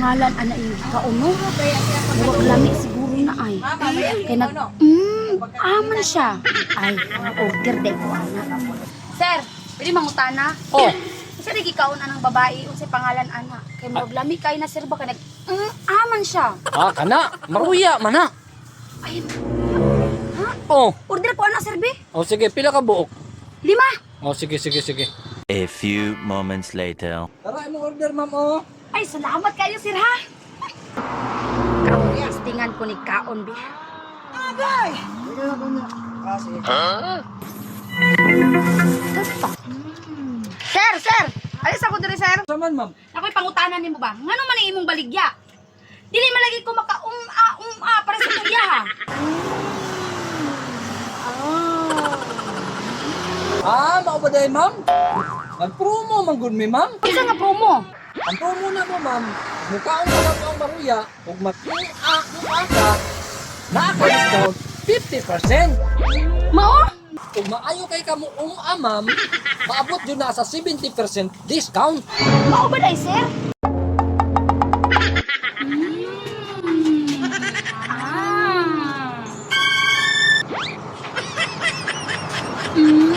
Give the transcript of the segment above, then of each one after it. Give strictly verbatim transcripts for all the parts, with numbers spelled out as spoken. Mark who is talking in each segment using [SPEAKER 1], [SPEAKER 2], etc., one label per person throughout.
[SPEAKER 1] pangalan ana iyo kauno. Murag lami siguro na ay. Kay nag mm, aman siya. Ay, order day ko ana. Sir, pwede mangutana?
[SPEAKER 2] Oh.
[SPEAKER 1] Isa di gikaon anang babae unsay pangalan ana. Kay murag lami kay na sir ba kay nag mm, aman siya.
[SPEAKER 2] Ah, kana. Maruya, mana.
[SPEAKER 1] Ay,
[SPEAKER 2] Oh.
[SPEAKER 1] order ko ana sir be.
[SPEAKER 2] Oh, sige. Pila ka buok?
[SPEAKER 1] Lima.
[SPEAKER 2] Oh, sige, sige, sige.
[SPEAKER 3] A few moments later.
[SPEAKER 2] Tara, mo order, ma'am, oh.
[SPEAKER 1] Ay, salamat kayo sir ha. Kaon testingan ko ni kaon be. Agay. Sir, sir! Alis ako diri, sir.
[SPEAKER 2] Saman, ma'am.
[SPEAKER 1] Ako'y pangutanan nimo ba? Ngano man ang imong baligya? Dili malagi ko maka-um-a, um-a para sa kuya, ha?
[SPEAKER 2] Ah, mao ba dahil, ma'am? Nag-promo, man good me, ma'am.
[SPEAKER 1] Isa nga promo.
[SPEAKER 2] Ang promo na mo, ma'am, mukhaon ka lang ang maruya, kung mag-i-a, ka, naka-discount fifty percent.
[SPEAKER 1] Mao?
[SPEAKER 2] Kung maayo kay ka mo um-a, ma'am, maabot yun na sa seventy percent discount.
[SPEAKER 1] Mao ba dai, sir? Mm.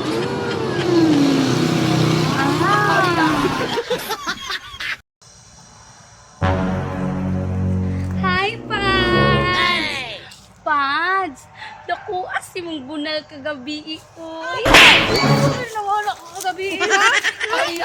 [SPEAKER 1] Ah. Ah. Hi, Pads! Pads! Naku, asi mong bunal kagabi ko. Ay, nawala ko kagabi, ha? Ay,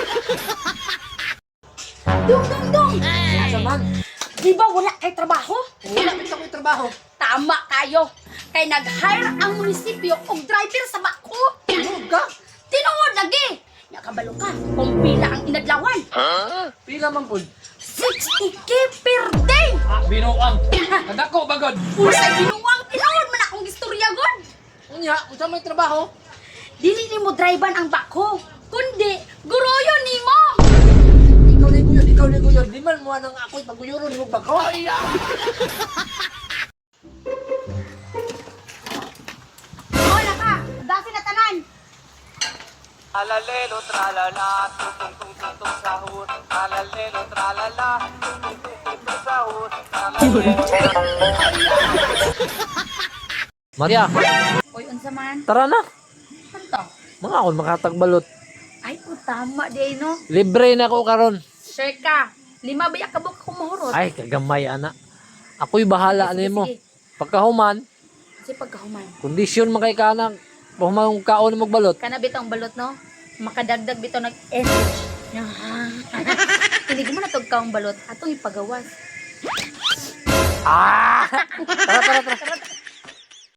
[SPEAKER 1] Dong, dong, dong!
[SPEAKER 2] Saman,
[SPEAKER 1] Di ba wala kay trabaho?
[SPEAKER 2] wala kita ko trabaho.
[SPEAKER 1] Tama kayo. Kay nag-hire ang munisipyo og driver sa bako.
[SPEAKER 2] Tulog ka.
[SPEAKER 1] Tinuod lagi. Nakabalo ka kung pila ang inadlawan.
[SPEAKER 2] Pila man po.
[SPEAKER 1] sixty k per day.
[SPEAKER 2] Ah, binuang. Kadako, bagod.
[SPEAKER 1] Usa binuang tinuod man akong istorya god.
[SPEAKER 2] Unya, unsa may trabaho?
[SPEAKER 1] Dili nimo drivean ang bako, kundi guruyo nimo.
[SPEAKER 2] Ikaw na guyon, ikaw na guyon. Di man mo nang ako'y paguyuron mo ba ko? Ay, ah.
[SPEAKER 1] Wala ka. Dasi na tanan.
[SPEAKER 4] Alalelo tralala, tung tung tung tung tung sahur. Alalelo tralala, tung tung tung tung tung sahur.
[SPEAKER 2] Maria,
[SPEAKER 1] Oy, unsa man?
[SPEAKER 2] tara na.
[SPEAKER 1] Kanto.
[SPEAKER 2] Mga akong makatagbalot.
[SPEAKER 1] Ay, ko tama di no.
[SPEAKER 2] Libre na ako karon.
[SPEAKER 1] Sure ka. Lima ba yakabok ko mahurot?
[SPEAKER 2] Ay, kagamay, ana. Ako'y bahala
[SPEAKER 1] Sige,
[SPEAKER 2] nimo.
[SPEAKER 1] sige.
[SPEAKER 2] Pagkahuman,
[SPEAKER 1] Kasi pagkahuman.
[SPEAKER 2] kondisyon man kay kanang pahuman kaon mo magbalot.
[SPEAKER 1] Kana bitong balot no? Makadagdag bitaw nag-energy. Hindi mo na tog kaong balot. Atong ipagawas.
[SPEAKER 2] Ah! Tara, tara, tara.